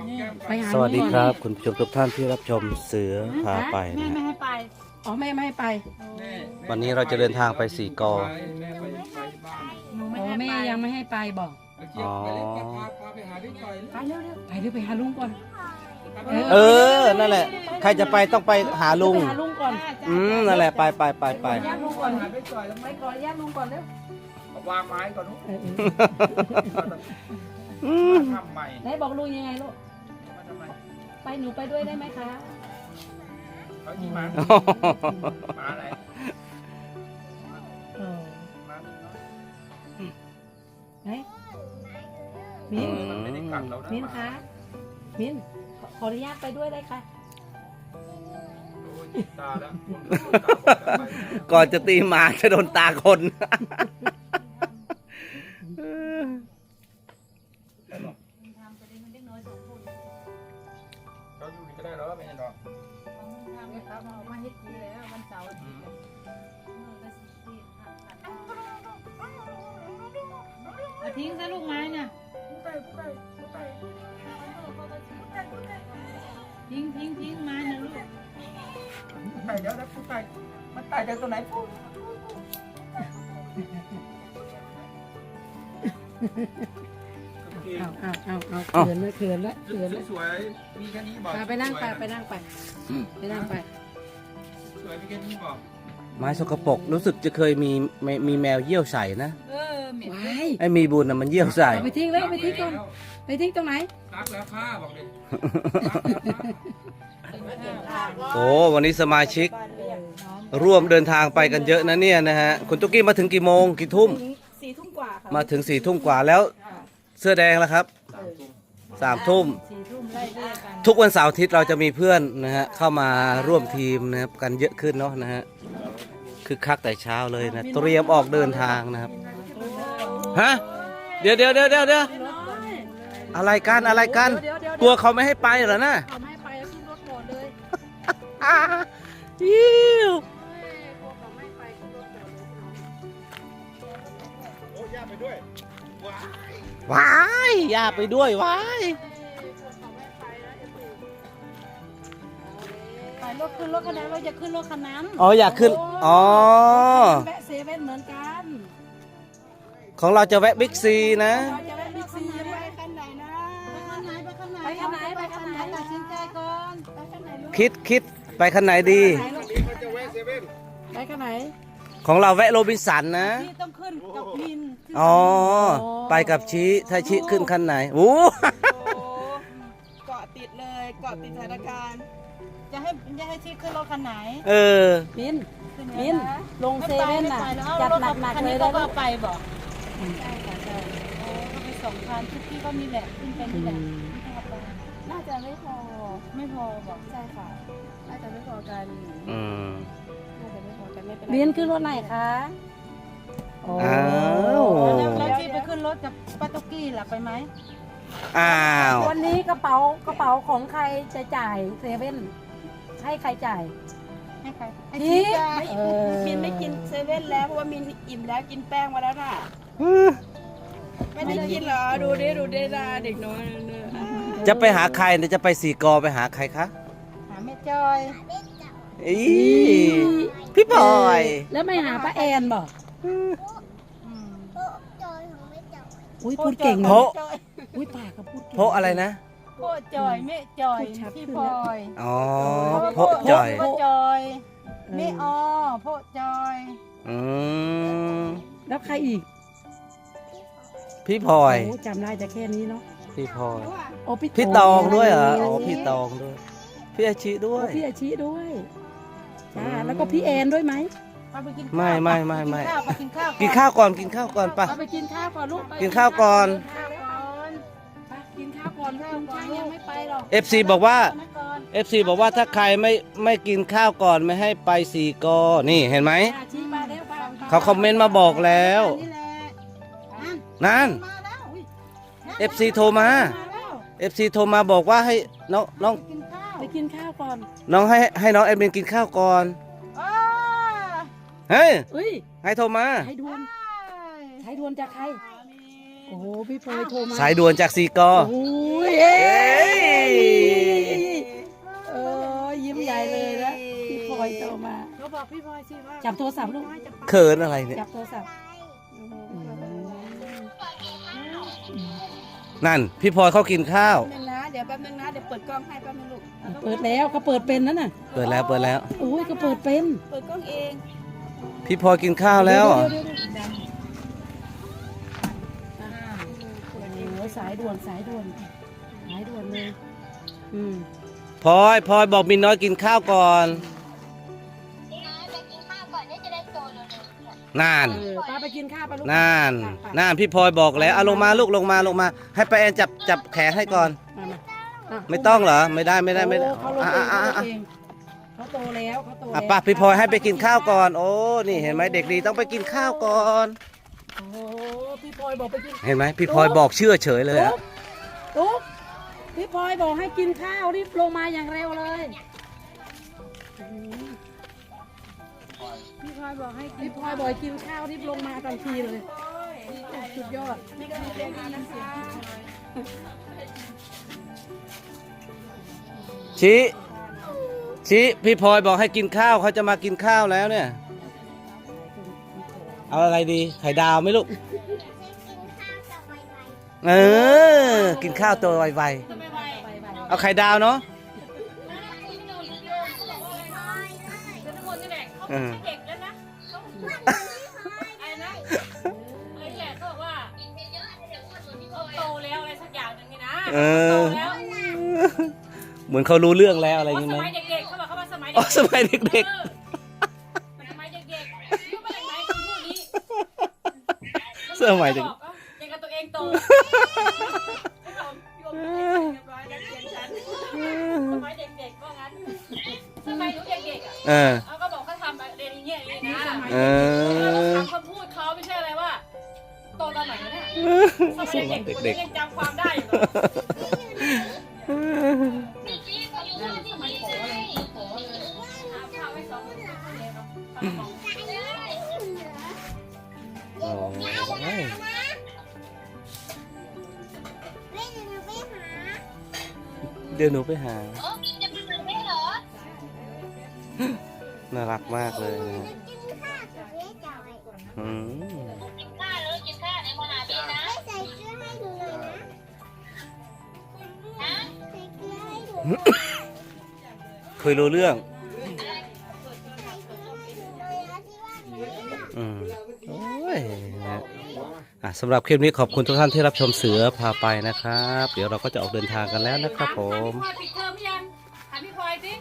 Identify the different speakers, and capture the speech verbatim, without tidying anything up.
Speaker 1: ไปหา
Speaker 2: สวัสดี
Speaker 1: ลุง
Speaker 2: ค
Speaker 1: ก่อน
Speaker 2: รับ คุณผู้ชมทุกท่านที่รับชมเสือพาไป
Speaker 3: แม่
Speaker 2: นะ
Speaker 3: ไม่
Speaker 2: ฮะ
Speaker 3: ให้ไป
Speaker 1: อ๋อแม่ไม่ให้ไป
Speaker 2: วันนี้เราจะเดินทางไปสี่กอ
Speaker 3: หนูไม่
Speaker 1: อ๋อ
Speaker 3: ให้
Speaker 1: แม่
Speaker 3: ไป
Speaker 1: ยังไม่ให้ไปบอก
Speaker 2: อ๋อ
Speaker 3: ไปเร็ว
Speaker 1: ไปเดี๋ยวไปหาลุงก่อน
Speaker 2: เออ นั่นแหละ ใครจะไปต้องไปหาลุง
Speaker 1: ไปหาลุงก่อน
Speaker 2: อืม นั่นแหละ ไปไปไปไป
Speaker 1: ญาติลุงก่อนไปก่อนญาติลุงก่อนเร็ว
Speaker 4: วางไม้ก่อนนุ๊ก
Speaker 1: เออเออ
Speaker 2: อืม
Speaker 4: ทำใหม่
Speaker 1: ไหนบอกลุงยังไงลูก
Speaker 4: มาทำไม
Speaker 1: ไปหนูไปด้วยได้ไหมคะ
Speaker 4: เขาที่มามาอะไร
Speaker 1: เออ
Speaker 4: มาเนาะ
Speaker 1: ไหนมิ้น
Speaker 4: มันไม่ได้กัดเรานะ
Speaker 1: มิ้นคะมิ้นขอขออนุญาตไปด้วยได้ค่ะ
Speaker 4: โอ้ยตาแล้ว
Speaker 2: ก่อนจะตีหมาจะโดนตาคน
Speaker 4: เราอยู่นี่ก็ได้หรอไม่ใช่หรอ
Speaker 3: ครับออกมาเฮ็ดดีแล้ววันเสาร์อาทิตย์เอาทิ้งซะลูกไม้น่ะทิ้งทิ้งทิ้งไม้นะลูก
Speaker 4: ไก่เดี๋ยวนะผู้ไก่มันตายจากตัวไหนปุ๊บ
Speaker 1: เอาเอาเอาเอาเขินเลยเขินละเขินละ
Speaker 4: สวยๆมีแค่นี้บอก
Speaker 1: ไปนั่งไปไปนั่งไปไปนั่งไป
Speaker 4: สวยมีแค่นี้บอก
Speaker 2: ไม้สกปรกรู้สึกจะเคยมีมีมีแมวเยี่ยวใส่นะ
Speaker 3: เออเหม็น
Speaker 1: ว้าย
Speaker 2: ไอ้มีบุญนะมันเยี่ยวใส่
Speaker 1: เอาไปทิ้งเลยไปทิ้งก่อนไปทิ้งตรงไหน
Speaker 4: รักแล้วผ้าบอกเลย
Speaker 2: โอ้วันนี้สมาชิก ร่วมเดินทางไปกันเยอะนะเนี่ยนะฮะ คุณตุ๊กกี้มาถึงกี่โมงกี่ทุ่ม
Speaker 1: สี่ทุ่มกว่าค่ะ
Speaker 2: มาถึงสี่ทุ่มกว่าแล้วเสื้อแดงแล้วครับสามทุ่ม
Speaker 1: สี่ทุ่มไล่เรียกกัน
Speaker 2: ทุกวันเสาร์อาทิตย์เราจะมีเพื่อนนะฮะเข้ามาร่วมทีมนะครับกันเยอะขึ้นเนาะนะฮะคือคักแต่เช้าเลยนะเตรียมออกเดินทางนะครับฮะเดี๋ยวเดี๋ยวเดี๋ยวเดี๋ยวเดี๋ยวอะไรกันอะไรกันกลัวเขาไม่ให้ไปเหรอนะ
Speaker 1: เอาไม่ไปแล้วขึ้นรถก่อนเลย
Speaker 2: อ่ายิ้ว
Speaker 1: กลัวเขาไม่ไปขึ้นรถก่อนเลย
Speaker 4: โอ้ย่าไปด้วยว้า
Speaker 2: ว้ายอย่าไปด้วยว้าย
Speaker 3: ไปรถขึ้นรถคันนั้นเราจะขึ้นรถคันนั้น
Speaker 2: อ๋ออยากขึ้นอ๋อ
Speaker 1: แวะเซเว่นเหมือนกัน
Speaker 2: ของเราจะแวะบิ๊กซีนะ
Speaker 1: เราจะแวะบิ๊กซีไปคันไหนนะ
Speaker 3: ไปคันไหนไปคันไหน
Speaker 1: ไปคันไหนไปคันไหน
Speaker 3: ตัดสินใจก่อนไปคันไหนลูก
Speaker 2: คิดคิดไปคันไหนดี
Speaker 4: นี่เขาจะแวะเซเว่น
Speaker 1: ไปคันไหน
Speaker 2: ของเราแวะโรบินสันนะ
Speaker 3: พี่ต้องขึ้นกับมิน
Speaker 2: อ๋อ ไปกับชี้ถ้าชี้ขึ้นคันไหนโอ้
Speaker 5: เกาะติดเลยเกาะติดสถานการณ์
Speaker 3: จะให้จะให้ที่ขึ้นรถคันไหน
Speaker 2: เออ
Speaker 1: มิน
Speaker 3: ขึ้
Speaker 1: มินลงเซเว่นน่ะจัดหนักๆเลย
Speaker 3: แล้
Speaker 1: แล้ว ว
Speaker 3: ก็
Speaker 1: ก็
Speaker 3: ไปบอกใช่ค่ะใช่โอ้ก็ไปสองคันทุกที่ก็มีแหละขึ้นไปนี่แหละไม่ต้องเอาไป
Speaker 5: น่าจะไม่พอ
Speaker 3: ไม่พอบอก
Speaker 5: ใช่ค่ะ น่าจะไม่พอกัน
Speaker 2: อืม
Speaker 5: น่าจะไม่พอกันไม่เป็นไร
Speaker 1: มินขึ้นรถไหนคะโอ้
Speaker 2: อ้าว
Speaker 3: แล้วที่ไปขึ้นรถกับป้าตุ๊กกี้ล่ะไปไหม
Speaker 2: อ้าว
Speaker 1: วันนี้กระเป๋ากระเป๋าของใครจะจ่ายเซเว่นให้ใครจ่าย
Speaker 3: ให้ใครให้
Speaker 1: ชี้
Speaker 3: ชี้จ้า
Speaker 1: เออ
Speaker 5: มินไม่กินเซเว่นแล้วเพราะว่ามินอิ่มแล้วกินแป้งมาแล้วน่ะ ไม่ได้กินเหรอ ดูดิดูดินะเด็กน้อยเนี่ย
Speaker 2: จะไปหาใครเนี่ยจะไปสี่กอไปหาใครคะ
Speaker 3: หาแม่จอย
Speaker 2: อีพี่บอย
Speaker 1: แล้วไม่หาป้าแอนบอก
Speaker 3: อืม
Speaker 1: อุ้ยพูดเก่ง
Speaker 2: เพ
Speaker 1: นะ
Speaker 2: ราะ
Speaker 1: อุ้ยปากก็พูดเก่ง
Speaker 2: เพราะอะไรนะ
Speaker 3: โคจอยแม่จอย
Speaker 1: พูดชัด
Speaker 3: พี่
Speaker 1: ขึ้น
Speaker 3: พ
Speaker 1: แล้
Speaker 3: ล
Speaker 1: ว
Speaker 3: อย
Speaker 2: อ๋อเพราะจอย
Speaker 3: โคจอยแม่ออโพจอย
Speaker 2: อืม
Speaker 1: แล้วใครอีก
Speaker 2: พี่พลอย
Speaker 1: โอ้จำได้แต่แค่นี้เนาะ
Speaker 2: พี่พลอย
Speaker 1: โอ้พี่
Speaker 2: พี่ตองด้วยเหรออ๋อพี่ตองด้วยพี่อาชิด้ว
Speaker 1: โอ้
Speaker 2: ย
Speaker 1: พี่อาชีด้วยจ้า
Speaker 2: อืม
Speaker 1: แล้วก็พี่แอนด้วยไหม
Speaker 3: เอาไปกินข้าว
Speaker 2: ไม่ไม่ไม่ไม่
Speaker 3: ไปกินข้าว
Speaker 2: กินข้าวก่อนกินข้าวก่อนปะ
Speaker 1: เอาไปกินข้าวก่อนลูกไป
Speaker 2: กินข้าวก่อน
Speaker 3: ข้าวก่อน
Speaker 1: ไปกินข้าวก่อนลูกคุณช้างยังไม่ไปหรอก
Speaker 2: เอฟซีบอกว่า
Speaker 3: เอาก่อน
Speaker 2: เอฟซีบอกว่าถ้าใครไม่ไม่กินข้าวก่อนไม่ให้ไปสี่กอนี่เห็นไหม
Speaker 1: อาชีมาแล้วไปไป
Speaker 2: เขาคอมเมนต์มาบอกแล้ว
Speaker 3: นี่แหละนั่น
Speaker 2: นั่น
Speaker 3: มาแล้วอุ๊ย
Speaker 2: เอฟซีโทรมา
Speaker 3: มาแล้ว
Speaker 2: เอฟซีโทรมาบอกว่าให้น้องน้อง
Speaker 3: กินข้าว
Speaker 1: ไปกินข้าวก่อน
Speaker 2: น้องให้ให้น้องแอดมินกินข้าวก่อน
Speaker 3: อ้า
Speaker 2: เฮ้ย
Speaker 1: เอ้ย
Speaker 2: ให้โทรมา
Speaker 1: สายด่วนสายด่วนจากใครโอ้โหพี่พลอยโทรมา
Speaker 2: สายด่วนจากสี่กอ
Speaker 1: โอ้ย
Speaker 2: เอ้ย
Speaker 5: สิว่า
Speaker 1: จับโทรศัพท์ลูก
Speaker 2: เขินอะไรเนี่ย
Speaker 1: จับโทรศัพท์
Speaker 2: นั่น พี่พลอยเขากินข้าว
Speaker 5: แป๊บนึงนะเดี๋ยวแป๊บนึงนะเดี๋ยวเปิดกล้องให้แป๊บนึงลูก
Speaker 1: เปิดแล้วเขาเปิดเป็นนั่นน่ะ
Speaker 2: เปิดแล้วเปิดแล้ว
Speaker 1: โอ้ยเขาเปิดเป็น
Speaker 5: เปิดกล้องเอง
Speaker 2: พี่พลอยกินข้าวแล้วเหรอ
Speaker 1: เดี๋ยๆๆๆโอ้ยสายด่วนสายด่วนสายด่วนเลยอืม
Speaker 2: พลอยพลอยบอกมินน้อยกินข้าวก่อนนาน
Speaker 1: เออป้าไปกินข้าวไปลูก
Speaker 2: นาน
Speaker 1: ไปไป
Speaker 2: นานพี่พลอยบอกแล้วเอาลงมาลูกลงมาลงมา ให้ป้าแอนจับจับแขนให้ก่อน
Speaker 1: มามาอ่ะ
Speaker 2: ไม่ต้องเหรอ ไม่ได้ไม่ได้ไม่ได้
Speaker 1: โอ้เขาลง
Speaker 2: อ่ะ
Speaker 1: เอง
Speaker 2: อ่ะ
Speaker 1: เขาล
Speaker 2: อ่ะ
Speaker 1: งเองเขาโตแล้วเขาโต
Speaker 2: อ่ะ
Speaker 1: แล้ว
Speaker 2: ป้าพี่พลอยให้ไปกินข้าวก่อน โอ้นี่เห็นไหมเด็กดีต้องไปกินข้าวก่อน
Speaker 1: โอ้พี่พลอยบอกไปกิน
Speaker 2: เห็นไหมพี่พลอยบอกเชื่อเฉยเลยอะ
Speaker 1: ตุ๊กพี่พลอยบอกให้กินข้าวรีบลงมาอย่างเร็วเลย
Speaker 3: พี่พลอยบอกให้กิน
Speaker 1: พี่พลอยบอกให้กินข้าวรีบลงมาทันทีเลยสุดยอด
Speaker 5: นี่ก็มีเรียนนะคะ
Speaker 2: ชิชิพี่พลอยบอกให้กินข้าวเขาจะมากินข้าวแล้วเนี่ย เอาอะไรดี ไข่ดาวไหมลูก เออ กินข้าวตัวไวๆเอาไข่ดาวเนาะเออ
Speaker 3: เด็กแล้วนะไอ้นะไอ้แหละเขาบอกว่าเขาโตแล้วอะไรสักอย่างหนึ่งนี่นะ
Speaker 2: เอ
Speaker 3: โต
Speaker 2: อ
Speaker 3: แล้ว
Speaker 2: เหมือนเขารู้เรื่องแล้วอะไรอ
Speaker 3: เพ
Speaker 2: ย่าง
Speaker 3: ราะ
Speaker 2: งี้
Speaker 3: ส
Speaker 2: ไหม
Speaker 3: มัยเด็กๆเขาบอกเขาว่าสมัย
Speaker 2: อ๋อสมัยเด็ก
Speaker 3: ๆสมัยเด็กๆรู้ไหมไหมคำพูดนี้
Speaker 2: ๆสมัยเด็ก
Speaker 3: บอกว่ายังกับตัวเองโตสมัยเด็กๆก็งั้นสมัยหนูเด็กๆอ่ะ
Speaker 2: เออ
Speaker 3: เขาก็บอกเขาทำเรียนอย่างเงี้ยอย่างนี้นะ
Speaker 2: เออ
Speaker 3: คำเขาพูดเขาไม่ใช่อะไรว่าโตตอนไหนวะเนี่ยสมัย
Speaker 2: สมัย
Speaker 3: เด็กๆ
Speaker 2: เด็ก
Speaker 3: ยังจำความได้อยู่เลย
Speaker 2: ๆ
Speaker 3: สมัยขอเลยขอเลยเอาข้าวไว้สองคนเลยเนาะข้าวกล่อง
Speaker 2: โอ้ยเดี๋ยวหนูไปหา น่ารักมากเลยนะอืมเคยรู้เรื่อง อืมโอ้ยนะอ่ะสำหรับคลิปนี้ขอบคุณทุกท่านที่รับชมเสือพาไปนะครับ เดี๋ยวเราก็จะออกเดินทางกันแล้วนะครับผม
Speaker 3: ถามพี่พลอยปิดเทอมยังถามพี่พลอยสิ